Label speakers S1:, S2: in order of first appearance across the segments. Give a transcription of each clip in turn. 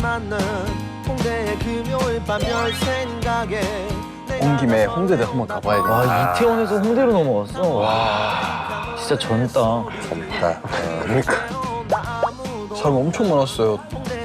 S1: 온 김에 홍대도 한번 가봐야겠다.
S2: 와, 이태원에서 홍대로 넘어왔어. 와, 진짜 젊다.
S1: 젊다. 그러니까. 사람 엄청 많았어요.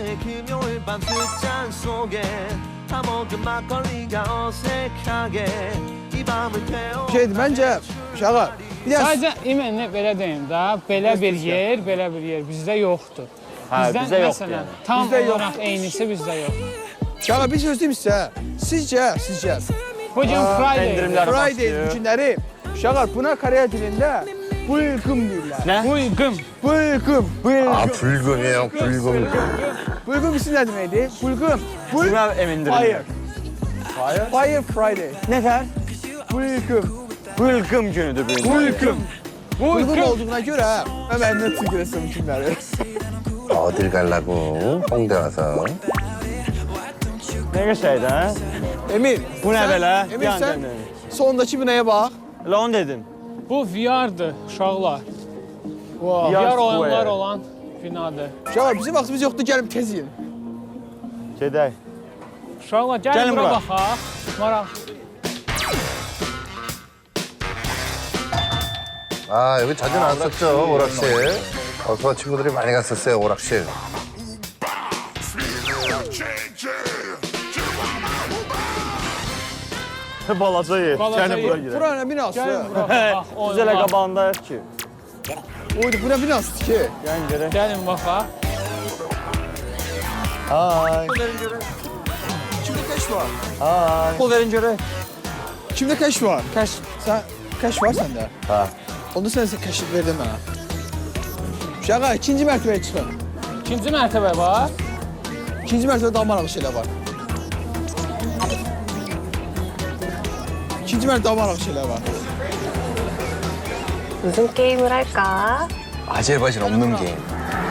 S3: Şeydi bence Şaqa. Bir de
S4: Sadəcə imanə belə deyim də, belə bir yer bizdə yoxdur. Bizdə
S2: bizdə yoxdur
S4: məsələn,
S2: yəni.
S4: tam
S3: Bizdə yoxdur.
S4: olaraq eynisi bizdə yoxdur.
S3: Şaqa bir söz deyim sizə. Sizcə
S4: Bu gün Friday.
S2: endirimlər
S3: Friday
S2: başlıyor.
S3: günləri Şaqa buna Koreya dilində bulgum deyirlər.
S2: Ne?
S4: Buyqım.
S3: Bulgum.
S1: 아, 불금이에요, 불금.
S3: Bulgum isim nə deməkdir? Bulgum.
S2: Buna emindirim.
S3: Fire. Fire Friday.
S2: Nefer?
S3: Bulgum.
S2: Bılgım günüdür bu gün.
S3: Bulgum. Bulgum olduğuna görə mən nə tükrəsəm kimləri.
S1: 어딜 가려고 홍대 와서.
S2: Ne geçeydi ha?
S3: Emin.
S2: Bu ne
S3: sən-
S2: belə?
S3: Emin
S2: Bir an
S3: sən
S2: döndün.
S3: sondakı binaya bax.
S2: La onu dedim.
S4: Bu VR-dır uşaqlar.
S3: Wow.
S4: VR
S2: VR
S4: oyunlar
S2: Square.
S4: olan binadır.
S3: Şaqa bizim vaxtımız yoxdur, gəlib tez yiyin.
S2: Gedək.
S4: Uşaqlar gəlin
S2: Gəlin
S4: bura
S2: bura.
S4: baxaq. Maraq.
S1: 아, 여기 자주 나왔었죠, 오락실. 저 친구들이 많이 갔었어요, 오락실.
S2: Balaca yer.
S4: Balaca
S2: Gəlin
S4: yer.
S2: bura gedək.
S3: Bura nə binası?
S4: Gəlin bura baxaq.
S2: Biz elə
S4: oyunlar.
S2: qabağındayıq ki.
S3: Oydu, bu nə binasıdır ki?
S2: Gəlin gedək.
S4: Gəlin baxaq.
S2: Hay.
S3: Kimdə kəşf var?
S2: Hay. Pul verin görək.
S3: Kimdə kəşf var?
S2: Kaç?
S3: Sən kəşf var səndə?
S2: Ha.
S3: Onda sən kəşf verdin mənə. Şaqa, ikinci mərtəbəyə çıxın.
S4: İkinci mərtəbə var.
S3: İkinci mərtəbədə daha maraqlı şeylər var. İkinci mərtəbədə daha maraqlı şeylər var.
S5: 무슨 게임을 할까?
S1: 아질바질 없는 게임.